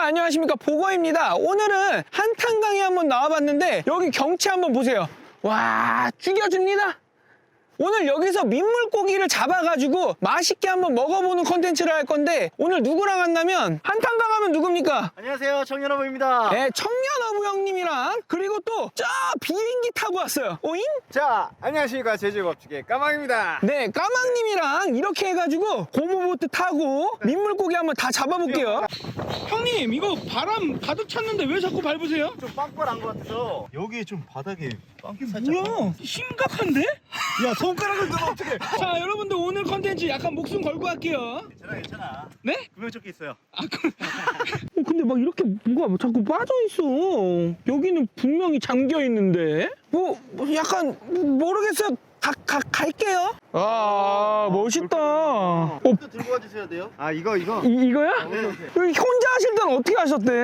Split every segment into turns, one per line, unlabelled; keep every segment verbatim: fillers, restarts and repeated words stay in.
안녕하십니까, 보거입니다. 오늘은 한탄강에 한번 나와봤는데 여기 경치 한번 보세요. 와, 죽여줍니다. 오늘 여기서 민물고기를 잡아가지고 맛있게 한번 먹어보는 컨텐츠를 할 건데, 오늘 누구랑 왔냐면 한탄강 하면 누굽니까?
안녕하세요, 청년어부입니다.
네, 청년어부 형님이랑, 그리고 또 저 비행기 타고 왔어요. 오잉?
자, 안녕하십니까, 제주겁주의 까망입니다.
네, 까망님이랑 이렇게 해가지고 고무보트 타고 민물고기 한번 다 잡아볼게요. 형님, 이거 바람 가득 찼는데 왜 자꾸 밟으세요?
좀 빵빵한 것 같아서 여기 좀 바닥에 빵기 살짝.
뭐야? 심각한데?
야, 손가락을 넣으면 어떡해.
자, 여러분들 오늘 컨텐츠 약간 목숨 걸고 할게요.
괜찮아, 괜찮아.
네?
구명조끼 있어요.
아, 그... 어, 근데 막 이렇게 뭐가 자꾸 빠져있어. 여기는 분명히 잠겨있는데? 뭐, 뭐 약간 모르겠어요. 가, 가, 갈게요. 아, 멋있다. 어,
또 들고 와주셔야 돼요. 아, 이거, 이거.
이, 이거야?
네.
여기 혼자 하실 때는 어떻게 하셨대?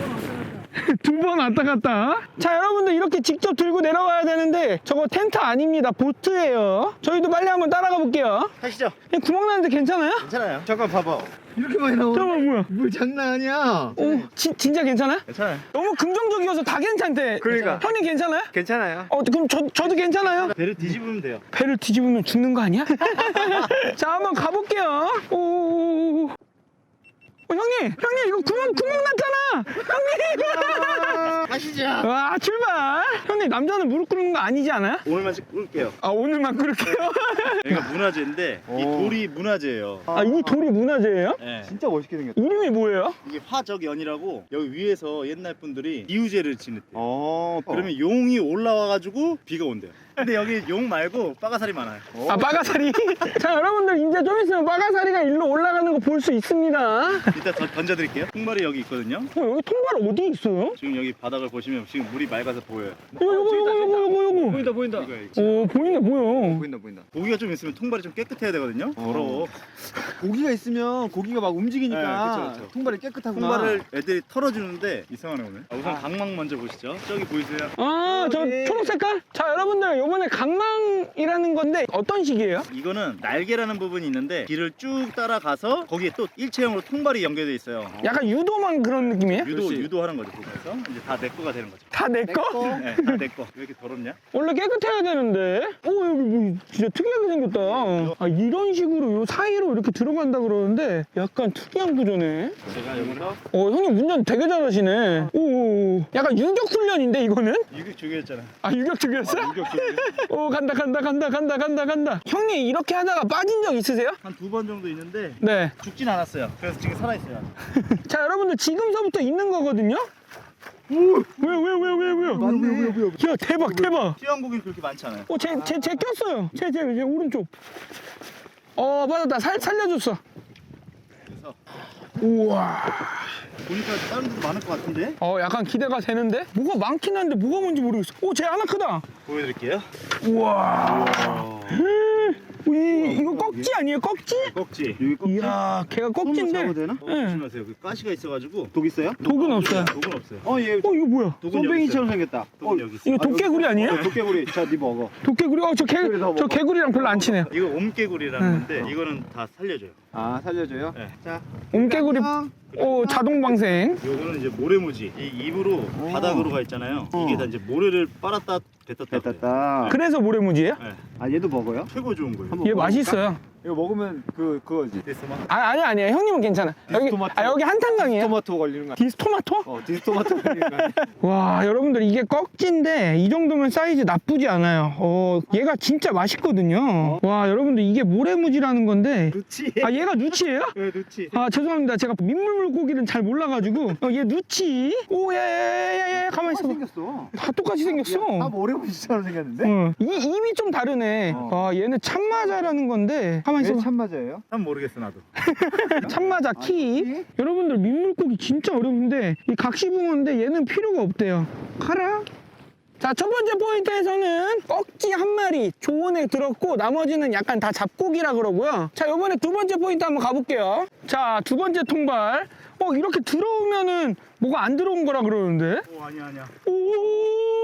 두 번 왔다 갔다. 자, 여러분들 이렇게 직접 들고 내려가야 되는데 저거 텐트 아닙니다. 보트예요. 저희도 빨리 한번 따라가 볼게요.
하시죠.
그냥 구멍 나는데 괜찮아요?
괜찮아요. 잠깐 봐봐. 이렇게 많이 나오네.
잠깐만, 뭐야?
뭐 장난 아니야.
오, 지, 진짜 괜찮아요?
괜찮아요.
너무 긍정적이어서 다 괜찮대.
그러니까.
형님 괜찮아요?
괜찮아요.
어, 그럼 저, 저도 괜찮아요?
배를 뒤집으면 돼요.
배를 뒤집으면 죽는 거 아니야? 자, 한번 가볼게요. 오, 어, 형님, 형님, 이거 구멍, 구멍 났잖아! 형님!
가시죠.
와, 출발! 형님, 남자는 무릎 꿇는 거 아니지 않아요?
오늘만 꿀게요.
아, 오늘만 꿇을게요.
여기가 문화재인데 이
오.
돌이 문화재예요.
아, 이 돌이 문화재예요?
네.
진짜 멋있게 생겼다.
이름이 뭐예요?
이게 화적연이라고 여기 위에서 옛날 분들이 이우제를 지냈대요.
어.
그러면 용이 올라와가지고 비가 온대요. 근데 여기 용 말고 빠가사리 많아요.
아, 빠가사리. 자, 여러분들 이제 좀 있으면 빠가사리가 일로 올라가는 거 볼 수 있습니다.
이따 더 던져드릴게요. 통발이 여기 있거든요.
어, 여기 통발 어디 있어요?
지금 여기 바닥을 보시면 지금 물이 맑아서 보여요.
요거, 요거, 요거, 요거, 요거, 요거.
보인다 보인다. 이거
오, 보이네, 보여.
보인다 보인다.
고기가 좀 있으면 통발이 좀 깨끗해야 되거든요. 더러워.
고기가 있으면 고기가 막 움직이니까
네, 그쵸, 그쵸.
통발이 깨끗하구나.
통발을 애들이 털어주는데 이상하네 오늘. 아, 우선
아.
강망 먼저 보시죠. 저기 보이세요?
아, 저
여기.
초록 색깔? 자, 여러분들 요번에 강망이라는 건데 어떤 식이에요?
이거는 날개라는 부분이 있는데 길을 쭉 따라가서 거기에 또 일체형으로 통발이 연결돼 있어요.
약간 유도만 그런 느낌이에요?
유도
그렇지.
유도하는 거죠. 거기서 이제 다 내 거가 되는 거죠.
다 내 거?
거.
네, 다 내 거. 왜 이렇게 더럽냐?
원래 깨끗해야 되는데. 오, 여기 뭐 진짜 특이하게 생겼다. 아, 이런 식으로 요 사이로 이렇게 들어간다 그러는데 약간 특이한 구조네.
제가 여기서
어, 형님 운전 되게 잘하시네. 오, 약간 유격 훈련인데 이거는?
유격 중이었잖아.
아, 유격 중이었어?
유격 중.
오, 간다 간다 간다 간다 간다 간다. 형님 이렇게 하다가 빠진 적 있으세요?
한두 번 정도 있는데
네.
죽진 않았어요. 그래서 지금 살아있어요.
자, 여러분들 지금서부터 있는 거거든요. 왜요 왜요 왜요 왜요 왜요?
맞네.
야, 대박 대박.
튀어나온 고기는 그렇게 많지 않아요.
어, 제, 제, 제 꼈어요. 제, 제, 제 오른쪽. 어, 맞았다. 살, 살려줬어.
그래서
우와.
보니까 다른 데도 많을 것 같은데?
어, 약간 기대가 되는데? 뭐가 많긴 한데 뭐가 뭔지 모르겠어. 오, 쟤 하나 크다.
보여드릴게요.
우와.
어,
이, 이거 꺽지 아니에요? 꺽지?
꺽지. 여기 꺽지.
이야, 걔가 꺽지인데.
잡아도 되나? 어,
네.
조심하세요. 그 가시가 있어가지고.
독 있어요?
독은 없어요.
독은 없어요.
어, 얘
어, 이거 뭐야?
독은 여기
쏨뱅이처럼
있어요.
생겼다.
독은
어,
여기 있어요.
이거 도깨구리 아니에요?
어, 도깨구리. 자, 네 먹어.
도깨구리? 어, 저 개,
그래, 더
저
먹어.
개구리랑 별로 안 친해요.
이거 옴개구리라는
응.
건데 이거는 다 살려줘요.
아, 살려줘요?
네.
자,
옴개구리,
안녕.
오, 자동방생.
요거는 이제 모래무지. 이 입으로
어.
바닥으로 가 있잖아요.
어.
이게 다 이제 모래를 빨았다 뱉었다. 그래요.
뱉었다.
그래서 모래무지예요?
네.
아, 얘도 먹어요?
최고 좋은 거예요.
한번
얘
먹어볼까?
맛있어요.
이거 먹으면 그, 그거지.
데스마.
아, 아니, 아니에요. 형님은 괜찮아. 여기,
디스토마토.
아, 여기 한탄강이에요.
토마토 걸리는 거 아니야?
디스토마토?
어, 디스토마토 걸리는 거 아니야?
와, 여러분들 이게 꺽지인데 이 정도면 사이즈 나쁘지 않아요. 어, 얘가 진짜 맛있거든요. 와, 여러분들 이게 모래무지라는 건데.
누치.
아, 얘가 누치예요?
왜 누치?
아, 죄송합니다. 제가 민물물고기는 잘 몰라가지고. 어, 얘 누치. 오, 예, 예, 예, 예. 가만히 있어봐.
생겼어.
다 똑같이 생겼어.
다 모래무지처럼 생겼는데?
어, 이 입이 좀 다르네.
어.
아, 얘는 참마자라는 건데. 가만히
왜
있어봐.
참맞아요?
난 모르겠어 나도.
참마자 키.
키?
여러분들 민물고기 진짜 어려운데 이 각시붕어인데 얘는 필요가 없대요. 가라. 자, 첫 번째 포인트에서는 꺽지 한 마리 조언에 들었고 나머지는 약간 다 잡고기라 그러고요. 자, 이번에 두 번째 포인트 한번 가볼게요. 자, 두 번째 통발. 어, 이렇게 들어오면은 뭐가 안 들어온 거라 그러는데.
오 아니야 아니야.
오, 뭐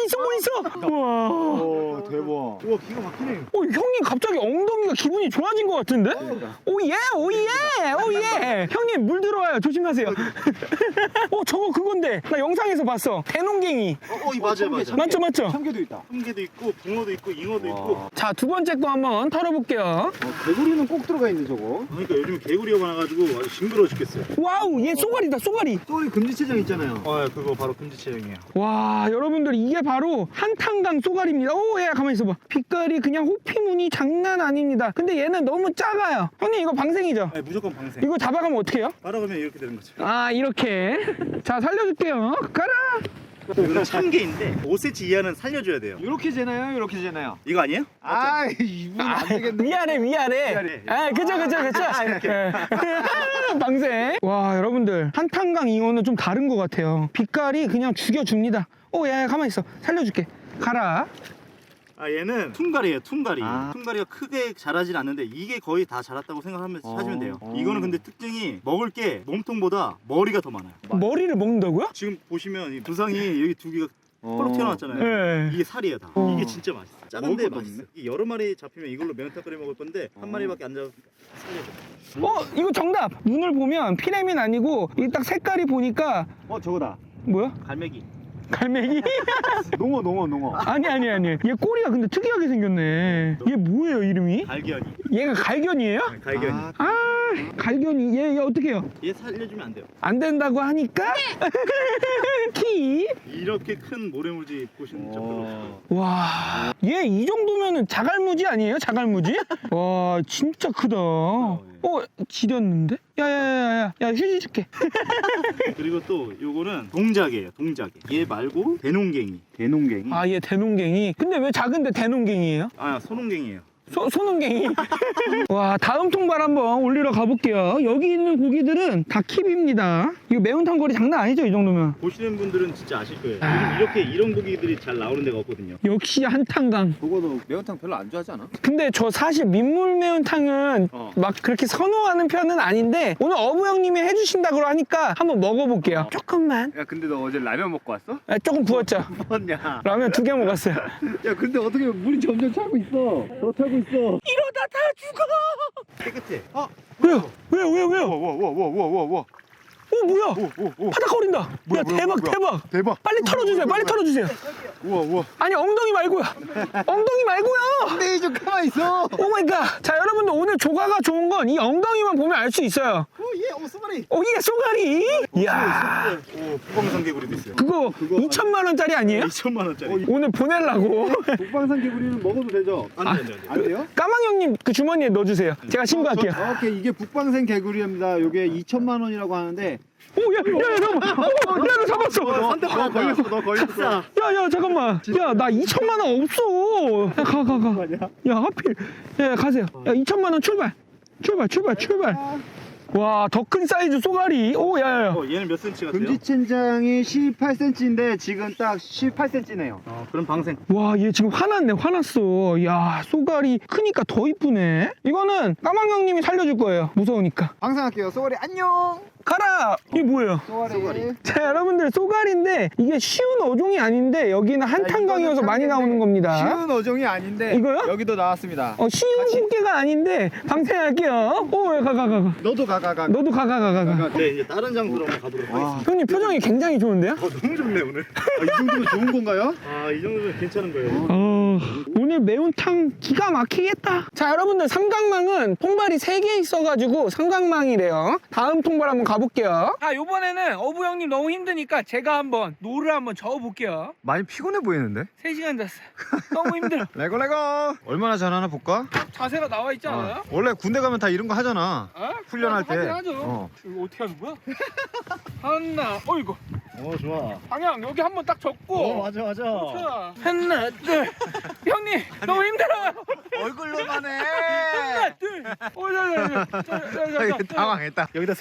있어 뭐 있어. 우와.
오 대박.
우와 기가 막히네.
어 형님 갑자기 엉덩이가 기분이 좋아진 것 같은데? 오예 오예 오예. 형님 물 들어와요 조심하세요. 어 저거 그건데 나 영상에서 봤어. 대농갱이.
어, 어 이 맞아요 맞아.
맞죠 맞죠?
참개도 있다.
참개도 있고 붕어도 있고 잉어도
와.
있고.
자 두 번째 거 한번 털어볼게요.
어, 개구리는 꼭 들어가 있네 저거.
그러니까 요즘 개구리가 많아가지고 아주 징그러워 죽겠어요.
와우 얘 쏘가리다 쏘가리.
쏘리 금지체장 있잖아요.
어 그거 바로 금지체형이에요.
와 여러분들 이게 바로 한탄강 쏘가리입니다. 오야 가만히 있어봐. 빛깔이 그냥 호피무늬 장난 아닙니다. 근데 얘는 너무 작아요. 형님 이거 방생이죠?
아니 무조건 방생.
이거 잡아가면 어떻게 해요?
따라가면 이렇게 되는 거죠.
아 이렇게. 자 살려줄게요. 가라.
이거는 참개인데 오 센티미터 이하는 살려줘야 돼요.
이렇게 재나요? 이렇게 재나요?
이거 아니에요?
아 이분 안 되겠네.
위아래 위아래.
위아래.
아 그쵸 그쵸 그쵸. 예. 방생. 와 여러분들 한탄강 잉어는 좀 다른 것 같아요. 빛깔이 그냥 죽여줍니다. 오야 가만히 있어. 살려줄게. 가라.
아 얘는 퉁가리예요 퉁가리.
아.
퉁가리가 크게 자라진 않는데 이게 거의 다 자랐다고 생각하면
어.
하시면 돼요.
어.
이거는 근데 특징이 먹을 게 몸통보다 머리가 더 많아요.
머리를 먹는다고요?
지금 보시면 이 두상이 여기 두 개가
어.
펄럭 튀어나왔잖아요.
네.
이게 살이에요 다.
어.
이게 진짜 맛있어. 작은데
먹을 것도
맛있어.
없네.
이 여러 마리 잡히면 이걸로 매운탕 끓여 먹을 건데 한
어.
마리밖에 안 잡으니까 살려줘.
어 이거 정답. 눈을 보면 피라민 아니고 이 딱 색깔이 보니까
어 저거다.
뭐야?
갈매기.
갈매기?
농어 농어 농어.
아니 아니 아니. 얘 꼬리가 근데 특이하게 생겼네. 얘 뭐예요 이름이?
갈견이.
얘가 갈견이에요?
네, 갈견이.
아,
아 갈견이 얘, 얘 어떻게 해요?
얘 살려주면 안 돼요.
안 된다고 하니까 키.
이렇게 큰 모래물지 보시는 적 별로 없어요.
어.
와, 얘 이 정도면은 자갈무지 아니에요? 자갈무지? 와, 진짜 크다. 어, 지렸는데? 야야야야, 야 휴지 줄게.
그리고 또 요거는 동작이에요 동작이. 얘 말고 대농갱이.
대농갱이.
아, 얘 대농갱이. 근데 왜 작은데 대농갱이에요?
아 소농갱이에요.
소, 소농갱이. 와, 다음 통발 한번 올리러 가볼게요. 여기 있는 고기들은 다 킵입니다. 이거 매운탕 거리 장난 아니죠, 이 정도면?
보시는 분들은 진짜 아실 거예요.
아.
요즘 이렇게 이런 고기들이 잘 나오는 데가 없거든요.
역시 한탄강.
그거도 매운탕 별로 안 좋아하지 않아?
근데 저 사실 민물 매운탕은
어.
막 그렇게 선호하는 편은 아닌데 오늘 어부 형님이 해주신다고 하니까 한번 먹어볼게요. 조금만.
야 근데 너 어제 라면 먹고 왔어?
아, 조금 부었죠.
먹었냐?
라면 두 개 먹었어요.
야 근데 어떻게 물이 점점 차고 있어? 더 차고 있어.
이러다 다 죽어.
깨끗해. 아
왜요? 왜요? 왜요? 왜요?
와와와와와와.
어 뭐야?
오오오.
파닥거린다. 야
뭐야, 뭐야,
대박
뭐야.
대박.
대박.
빨리 털어주세요. 빨리 털어주세요.
우와 우와.
아니 엉덩이 말고요. 엉덩이 말고요.
근데 좀 가만 있어.
오 마이 갓. 자 여러분들 오늘 조가가 좋은 건 이 엉덩이만 보면 알 수 있어요.
오예 오스마리.
어 이게 쏘가리. 이야.
오 북방산 개구리도 있어요.
그거 이천만 원짜리 아니에요?
이천만 원짜리.
오늘 보내려고.
북방산 개구리는 먹어도 되죠?
안돼 안돼 안돼.
안 돼요?
까망 형님 그 주머니에 넣어주세요. 제가 신고할게요.
오케이 이게 북방산 개구리입니다. 요게 이천만 원이라고 하는데.
오, 야, 야, 야, 잠깐만. 어, 어, 야, 너 잡았어.
한대
너 걸렸어, 너 걸렸어.
야, 야, 잠깐만. 야, 나 이천만 원 없어. 야, 가, 가, 가. 야, 하필. 야, 야, 가세요. 야, 이천만 원 출발. 출발, 출발, 출발. 와, 더 큰 사이즈 쏘가리. 오, 야, 야, 야.
어 얘는 몇 센치 같아요?
금지천장이 십팔 센티미터인데 지금 딱 십팔 센티미터네요.
어 그럼 방생.
와, 얘 지금 화났네, 화났어. 야, 쏘가리 크니까 더 이쁘네. 이거는 까망 형님이 살려줄 거예요. 무서우니까.
방생할게요. 쏘가리 안녕.
가라! 이게 뭐예요?
쏘가리.
쏘가리.
자, 여러분들 쏘가리인데 이게 쉬운 어종이 아닌데 여기는 한탄강이어서 많이 나오는 겁니다.
쉬운 어종이 아닌데
이거요?
여기도 나왔습니다.
어, 쉬운 꽃게가 아닌데 방생할게요. 오, 가, 가, 가, 가.
너도 가가가.
너도 가, 가, 가, 가, 가.
네 이제 다른 장소로 한번 가도록
와.
하겠습니다.
형님 표정이 굉장히 좋은데요?
어 너무 좋네 오늘.
아, 이 정도면 좋은 건가요?
아 이 정도면 괜찮은 거예요.
어, 오늘 매운탕 기가 막히겠다. 자, 여러분들 삼각망은 통발이 세 개 있어가지고 삼각망이래요. 다음 통발 한번 가볼게요. 자, 요번에는 어부 형님 너무 힘드니까 제가 한번 노를 한번 저어볼게요.
많이 피곤해 보이는데?
세 시간 잤어요. 너무 힘들어.
레고 레고. 얼마나 잘하나 볼까?
자세가 나와 있지 않아요?
어. 원래 군대 가면 다 이런 거 하잖아.
어?
훈련할 때.
하긴 하죠.
어.
이거 어떻게 하는 거야? 하나, 어이구.
어 좋아.
방향 여기 한번 딱 접고.
어 맞아 맞아.
자, 하나, 둘. 형님, 너무 힘들어요.
얼굴로만 해.
하나, 둘. 어, 자, 자, 자, 자, 자, 자, 자, 자.
당황했다.
여기다 세워.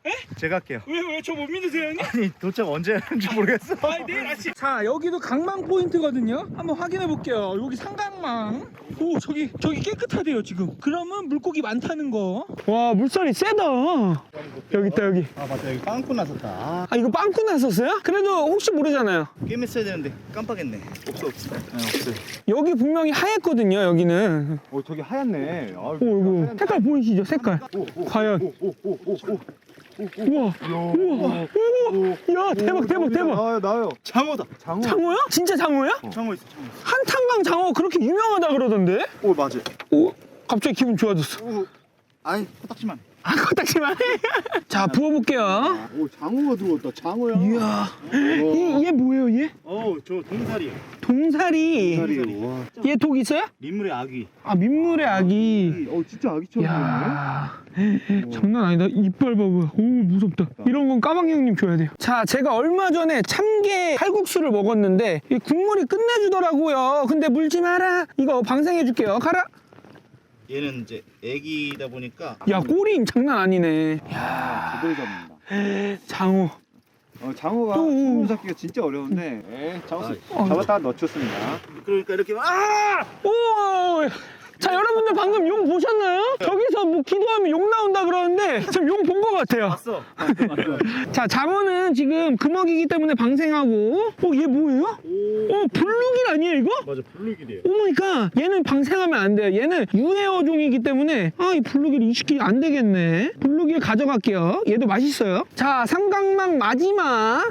제가 할게요.
왜 왜 저 못 믿으세요 형님?
아니 도착 언제 하는지 모르겠어.
아 내일 아침. 자 여기도 강망 포인트거든요. 한번 확인해 볼게요. 여기 상강망. 오 저기 저기 깨끗하대요 지금. 그러면 물고기 많다는 거. 와 물살이 세다. 여기 있다 여기.
아 맞다 여기 빵꾸 났었다. 아,
아 이거 빵꾸 났었어요? 그래도 혹시 모르잖아요.
게임 했어야 되는데 깜빡했네. 없어 없어. 네, 없어요.
여기 분명히 하얗거든요 여기는.
어 저기 하얗네. 아,
오 이거 색깔 보이시죠 색깔. 과연.
오오오오오오.
우와 우와 우와 야 대박 대박 대박.
나와요 나와요.
장어다.
장어.
장어야? 진짜 장어야?
장어 있어 장어. 있어.
한탄강 장어 그렇게 유명하다 그러던데?
오 맞아.
오 갑자기 기분 좋아졌어.
오 아니 코딱지만.
아 코딱지만. 자 부어볼게요.
오 장어가 들어왔다. 장어야.
이야 얘, 얘 뭐예요 얘?
어저 동사리요.
동사리.
다리. 와.
얘 독 있어요?
민물의 아귀.
아 민물의 아기.
어 진짜 아기처럼
야 장난 아니다. 이빨 봐봐. 오 무섭다. 이런 건 까망이 형님 줘야 돼요. 자 제가 얼마 전에 참게 칼국수를 먹었는데 이 국물이 끝내주더라고요. 근데 물지 마라. 이거 방생해줄게요. 가라.
얘는 이제 애기다 보니까.
야 꼬리 장난 아니네.
아, 제대로 잡는다.
장어.
어, 장어가
오, 오.
손으로 잡기가 진짜 어려운데 네, 장어 수-
어.
잡았다가 넣쳤습니다.
그러니까 이렇게 아
오! 자 여러분들 방금 용 보셨나요? 저기서 뭐 기도하면 용 나온다 그러는데 지금 용 본 것 같아요.
왔어.
자 장어는 지금 금어기이기 때문에 방생하고 어 얘 뭐예요? 어 블루길 아니에요 이거?
맞아 블루길이에요.
오마이갓 얘는 방생하면 안 돼요. 얘는 유해어종이기 때문에 아 이 블루길 이식이 안 되겠네. 블루길 가져갈게요. 얘도 맛있어요. 자 삼각망 마지막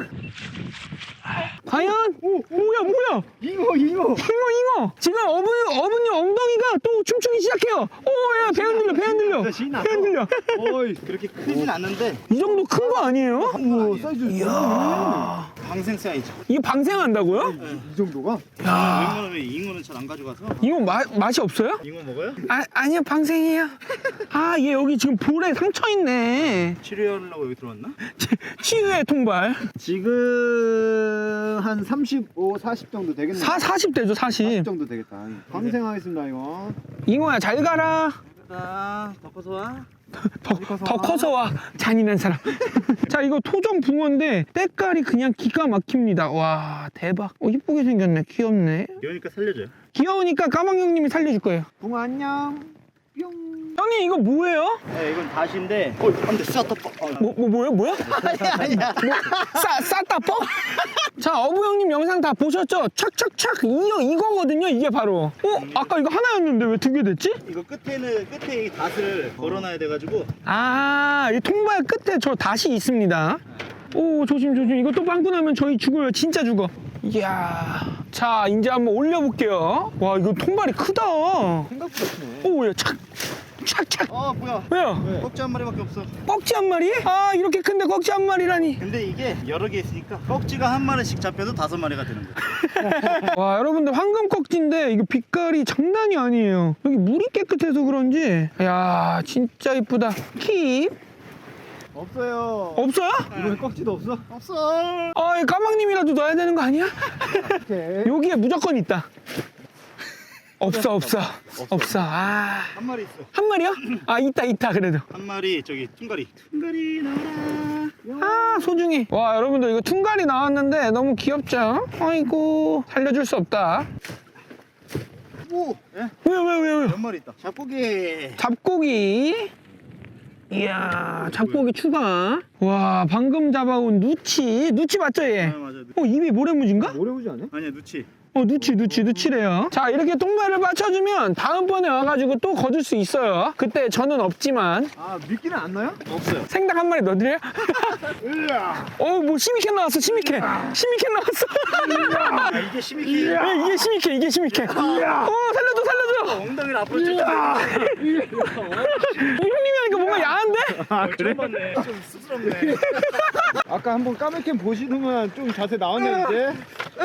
과연? 오, 뭐야 뭐야
잉어 잉어.
잉어 잉어 지금 어부님 어부님 엉덩이가 또 춤추기 시작해요. 오야 배 흔들려 배 흔들려 배 흔들려.
어이
그렇게 크진 않는데
이 정도 큰 거 아니에요?
오 사이즈
이야
방생 사이즈.
이게 방생한다고요?
이 정도가?
야
웬만하면 잉어는 잘 안 가져가서.
이거 마, 맛이 없어요?
잉어 먹어요?
아 아니요 방생이에요. 아 얘 여기 지금 볼에 상처 있네.
치료하려고 여기 들어왔나?
치유의 통발.
지금 한 삼십오, 사십 정도 되겠네.
사 사십 대죠 사십.
사십 정도 되겠다. 방생하겠습니다 이거.
잉어야 잘 가라.
나 더 커서 와.
더, 더 커서 와 잔인한 사람. 자 이거 토종 붕어인데 때깔이 그냥 기가 막힙니다. 와 대박. 어 이쁘게 생겼네. 귀엽네.
귀여우니까 살려줘요.
귀여우니까 까망 형님이 살려줄 거예요.
붕어 안녕. 뿅.
형님 이거 뭐예요?
네 이건 다시인데. 어 안돼 쌌다.
뭐, 뭐 뭐야 뭐야?
아니야 아니야.
싸 싸다 뻥? 자 어부 형님 영상 다 보셨죠? 착착착 이거 이거거든요. 이게 바로. 어 아까 이거 하나였는데 왜 두 개 됐지?
이거 끝에는 끝에 이 닷을 걸어놔야 돼가지고.
아이 통발 끝에 저 닷이 있습니다. 오 조심 조심. 이거 또 빵꾸 나면 저희 죽어요. 진짜 죽어. 이야. 자 이제 한번 올려볼게요. 와 이거 통발이 크다.
생각보다 크네.
오야 착 착착.
어 뭐야?
왜요?
꺽지 한 마리밖에 없어.
꺽지 한 마리? 아 이렇게 큰데 꺽지 한 마리라니.
근데 이게 여러 개 있으니까 꺽지가 한 마리씩 잡혀도 다섯 마리가 되는 거야.
와 여러분들 황금 꺽지인데 이거 빛깔이 장난이 아니에요. 여기 물이 깨끗해서 그런지 야 진짜 이쁘다. 킵
없어요.
없어요?
이번에 꺽지도 없어?
없어.
아 이 까망님이라도 넣어야 되는 거 아니야?
오케이.
여기에 무조건 있다. 없어 없어 없어. 아.
한 마리 있어.
한 마리요? 아 있다 있다 그래도.
한 마리 저기 퉁가리. 퉁가리 나와라.
아 소중히. 와 여러분들 이거 퉁갈이 나왔는데 너무 귀엽죠? 아이고 살려줄 수 없다.
오. 예?
왜요 왜요 왜요?
몇 마리 있다. 잡고기.
잡고기. 이야 잡고기 추가. 와 방금 잡아온 누치. 누치 맞죠 얘?
아 맞아.
어 입이 모래무지인가?
모래오지 않아?
아니야 누치.
어 누치 누치 누치래요. 자 이렇게 통발을 맞춰주면 다음번에 와가지고 또 거둘 수 있어요. 그때 저는 없지만.
아 미끼는 안 나요?
없어요.
생닭 한 마리 넣어드려요? 어뭐 시미캔 나왔어 시미캔. 시미캔 나왔어.
아 이게 심히
예, 이게 시미캔 이게 시미캔. 어 살려줘 살려줘.
엉덩이를 앞으로 쭉.
어, 형님이 하니까 뭔가 야한데?
아 그래? 좀 쑥스럽네.
아까 한번 까맣게 보시더만 좀 자세 나왔는데.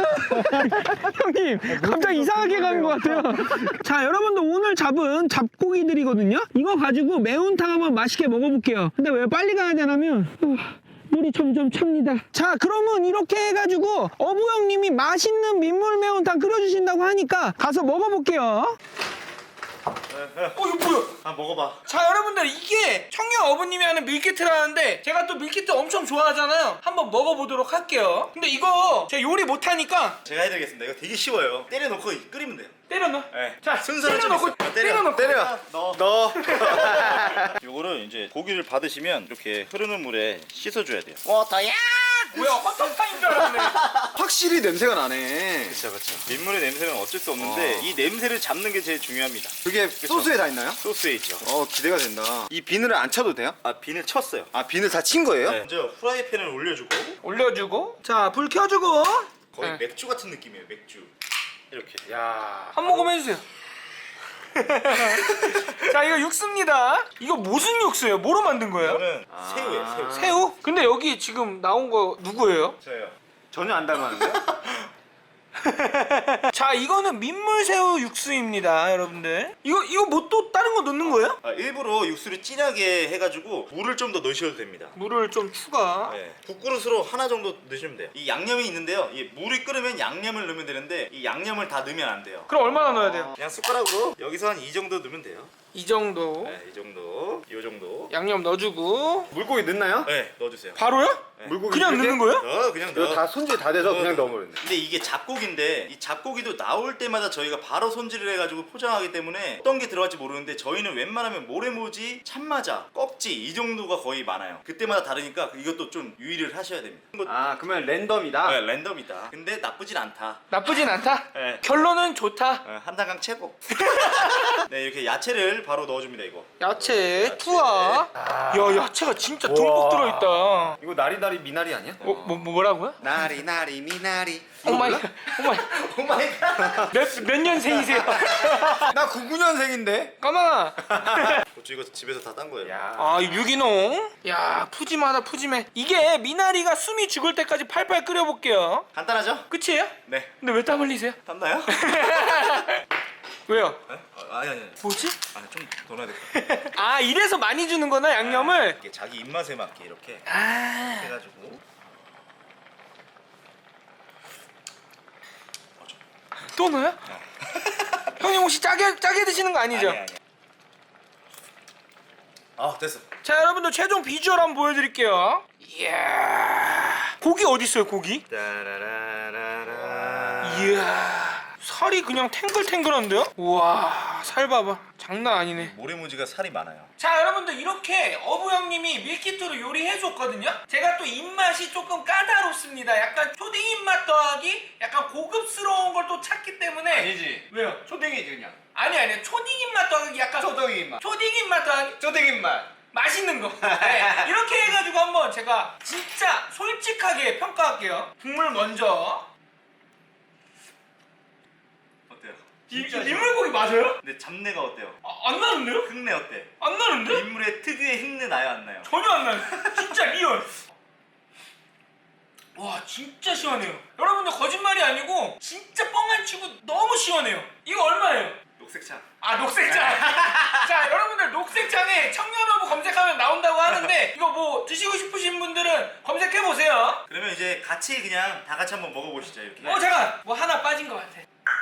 형님 갑자기 이상하게 가는 것 같아요. 자 여러분들 오늘 잡은 잡고기들이거든요. 이거 가지고 매운탕 한번 맛있게 먹어볼게요. 근데 왜 빨리 가야 되냐면 어, 물이 점점 찹니다. 자 그러면 이렇게 해가지고 어부 형님이 맛있는 민물 매운탕 끓여주신다고 하니까 가서 먹어볼게요. 어 이거 뭐야?
아 먹어봐.
자 여러분들 이게 청년 어부님이 하는 밀키트라는데 제가 또 밀키트 엄청 좋아하잖아요. 한번 먹어보도록 할게요. 근데 이거 제가 요리 못하니까
제가 해드리겠습니다. 이거 되게 쉬워요. 때려놓고 끓이면 돼요.
때려 넣어.
네.
자
순서를
때려
좀
넣고
있어요. 아,
때려 넣고
때려.
넣어.
너.
요거를 이제 고기를 받으시면 이렇게 흐르는 물에 씻어줘야 돼요.
워터야. 뭐야 헌터파인 줄 알았네.
확실히 냄새가 나네.
그렇죠, 그렇죠. 민물의 냄새는 어쩔 수 없는데
와.
이 냄새를 잡는 게 제일 중요합니다.
그게 소스에 다 있나요?
소스에 있죠.
어 기대가 된다. 이 비늘을 안 쳐도 돼요?
아 비늘 쳤어요.
아 비늘 다 친 거예요?
네. 먼저 후라이팬을 올려주고
올려주고 자 불 켜주고
거의
네.
맥주 같은 느낌이에요. 맥주. 이렇게.
야.
한 모금 해주세요. 자 이거 육수입니다. 이거 무슨 육수예요? 뭐로 만든 거예요?
이거는
아.
새우예요. 새우.
새우? 근데 여기 지금 나온 거 누구예요?
저요.
전혀 안 닮았는데?
자 이거는 민물새우 육수입니다 여러분들. 이거 이거 뭐 또 다른 거 넣는 거예요?
아, 일부러 육수를 진하게 해가지고 물을 좀 더 넣으셔도 됩니다.
물을 좀 추가.
네. 국그릇으로 하나 정도 넣으시면 돼요. 이 양념이 있는데요. 이 물이 끓으면 양념을 넣으면 되는데 이 양념을 다 넣으면 안 돼요.
그럼 얼마나 넣어야 돼요?
그냥 숟가락으로 여기서 한 이 정도 넣으면 돼요.
이 정도.
네, 이 정도, 이 정도.
양념 넣어주고.
물고기 넣나요?
네, 넣어주세요.
바로요?
네.
물고기
그냥
이렇게?
넣는 거예요?
넣어, 그냥 넣어.
이거 다 손질 다 돼서 그냥 넣어버렸네.
근데 이게 잡고기인데 이 잡고기도 나올 때마다 저희가 바로 손질을 해가지고 포장하기 때문에 어떤 게 들어갈지 모르는데 저희는 웬만하면 모래모지, 참마자, 꺽지 이 정도가 거의 많아요. 그때마다 다르니까 이것도 좀 유의를 하셔야 됩니다. 이거
아 그러면 랜덤이다?
네, 랜덤이다. 근데 나쁘진 않다.
나쁘진 않다?
네.
결론은 좋다.
네, 한단강 최고. 네, 이렇게 야채를 바로 넣어줍니다. 이거.
야채 투하. 야 야채가 진짜 듬뿍
우와.
들어있다.
이거 나리나리 미나리 아니야?
어, 뭐, 뭐 뭐라고요?
나리 나리 미나리.
오마이 오마이
오마이갓.
몇, 몇 년생이세요?
나 구십구 년생인데?
까망아.
고추 이거 집에서 다 딴 거예요.
야.
아 유기농. 야 푸짐하다 푸짐해. 이게 미나리가 숨이 죽을 때까지 팔팔 끓여볼게요.
간단하죠?
끝이에요?
네.
근데 왜 땀 흘리세요?
땄나요?
왜요?
네? 어, 아니 아니. 아니.
뭐지?
아니 좀더 넣어야 될 것 같아.
아 이래서 많이 주는구나 양념을.
이렇게 자기 입맛에 맞게 이렇게
아
해가지고.
또 넣어요? 형님 혹시 짜게 짜게 드시는 거 아니죠?
아니 아니. 아 됐어.
자 여러분들 최종 비주얼 한번 보여드릴게요. 이야 고기 어디 있어요 고기?
따라라라라.
이야 살이 그냥 탱글탱글한데요? 우와 살 봐봐 장난 아니네.
모래무지가 살이 많아요.
자 여러분들 이렇게 어부 형님이 밀키트로 요리해줬거든요. 제가 또 입맛이 조금 까다롭습니다. 약간 초딩 입맛 더하기 약간 고급스러운 걸 또 찾기 때문에.
아니지.
왜요?
초딩이지 그냥.
아니 아니 초딩 입맛 더하기 약간
초딩 입맛.
초딩 입맛 더하기
초딩 입맛.
맛있는 거. 네, 이렇게 해가지고 한번 제가 진짜 솔직하게 평가할게요. 국물 먼저.
어때요?
이, 이 민물고기 맞아요?
근데 잡내가 어때요?
아, 안 나는데요?
흙내 어때?
안 나는데?
민물의 특유의 흙내 나요 안 나요?
전혀 안 나요. 진짜 리얼. 와 진짜 시원해요. 여러분들 거짓말이 아니고 진짜 뻥 안 치고 너무 시원해요. 이거 얼마예요?
녹색차.
아 녹색장. 자 여러분들 녹색장에 청년어부 검색하면 나온다고 하는데 이거 뭐 드시고 싶으신 분들은 검색해 보세요.
그러면 이제 같이 그냥 다 같이 한번 먹어보시죠 이렇게.
어 잠깐 뭐 하나 빠진 것 같아.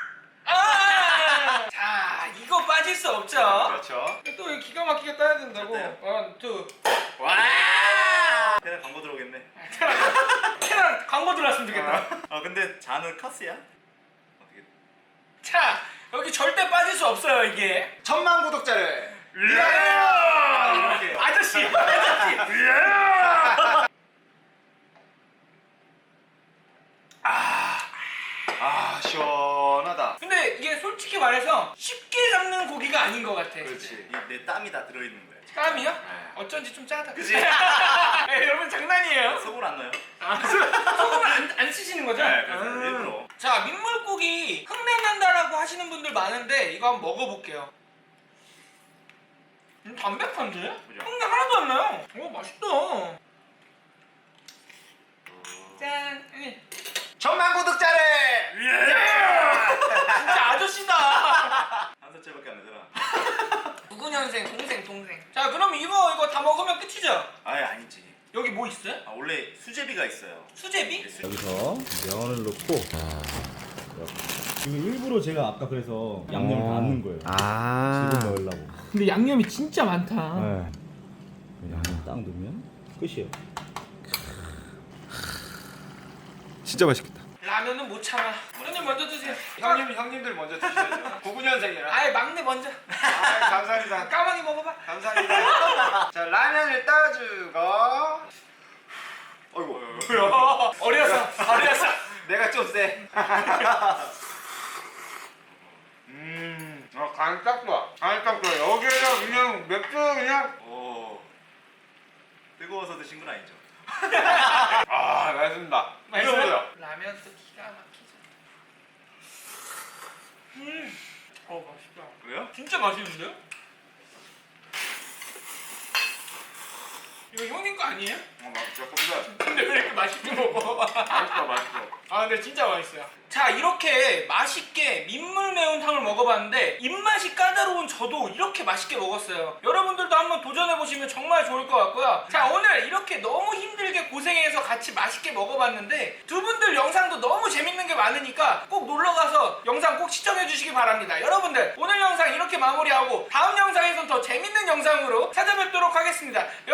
아! 자 이거 빠질 수 없죠.
그렇죠.
또 이거 기가 막히게 따야 된다고.
어때요?
원, 투.
와. 그냥 광고 들어오겠네.
캐랑 광고 들어왔으면 좋겠다.
아 근데 잔은 카스야? 어떻게?
자 여기 절대 빠질 수 없어요 이게.
천만 구독자를.
이렇게. 아저씨 아저씨.
아 시원하다.
근데 이게 솔직히 말해서 쉽게 잡는 고기가 아닌 것 같아.
그렇지.
이 내 땀이 다 들어있는 거야.
땀이요? 어쩐지 좀 짜다.
그치?
네, 여러분 장난이에요.
속을 안 넣어요?
아, 소금을 안, 안 쓰시는 거죠?
네, 그래서
음.
일부러.
자, 민물고기 흙내 난다라고 하시는 분들 많은데 이거 한번 먹어볼게요. 음, 담백한데?
그죠?
흙내 하나도 안 나요. 오, 맛있다. 짠. 음.
천만 구독자를.
진짜 아저씨다.
한 살짜리밖에 안 되잖아.
구구 년생 동생 동생. 자, 그럼 이거 이거 다 먹으면 끝이죠?
아예 아니지.
여기 뭐 있어요?
아 원래 수제비가 있어요.
수제비?
수...
여기서 명언을 넣고 자, 이렇게
이거 일부러 제가 아까 그래서 양념을 다 안 넣은 거예요.
아.
지금 넣으려고.
근데 양념이 진짜 많다.
네. 양념 딱 넣으면 끝이에요.
진짜 맛있겠다.
라면은 못 참아. 부모님 먼저 드세요.
형님 형님들 먼저 드셔야죠. 구구 년생이라.
아예 막내 먼저.
아, 감사합니다.
까마귀 먹어봐.
감사합니다. 자 라면을 따주고. 어이구.
어렸어. 어렸어.
내가 좀 세. 음, 아, 간이 딱 좋아. 간이 딱 좋아. 여기에다 그냥 맥주 그냥.
오. 뜨거워서 드신 건 아니죠?
아, 맛있습니다.
맛있어요? 라면 또 기가 막히죠. 음. 어 맛있다.
왜요?
진짜 맛있는데요? 이거 형님 거 아니에요?
어, 맛있어.
근데 왜 이렇게 맛있게 먹어?
맛있어, 맛있어.
아 근데 진짜 맛있어요. 자 이렇게 맛있게 민물 매운탕을 먹어봤는데 입맛이 까다로운 저도 이렇게 맛있게 먹었어요. 여러분들도 한번 도전해보시면 정말 좋을 것 같고요. 자 오늘 이렇게 너무 힘들게 고생해서 같이 맛있게 먹어봤는데 두 분들 영상도 너무 재밌는 게 많으니까 꼭 놀러가서 영상 꼭 시청해주시기 바랍니다. 여러분들 오늘 영상 이렇게 마무리하고 다음 영상에선 더 재밌는 영상으로 찾아뵙도록 하겠습니다.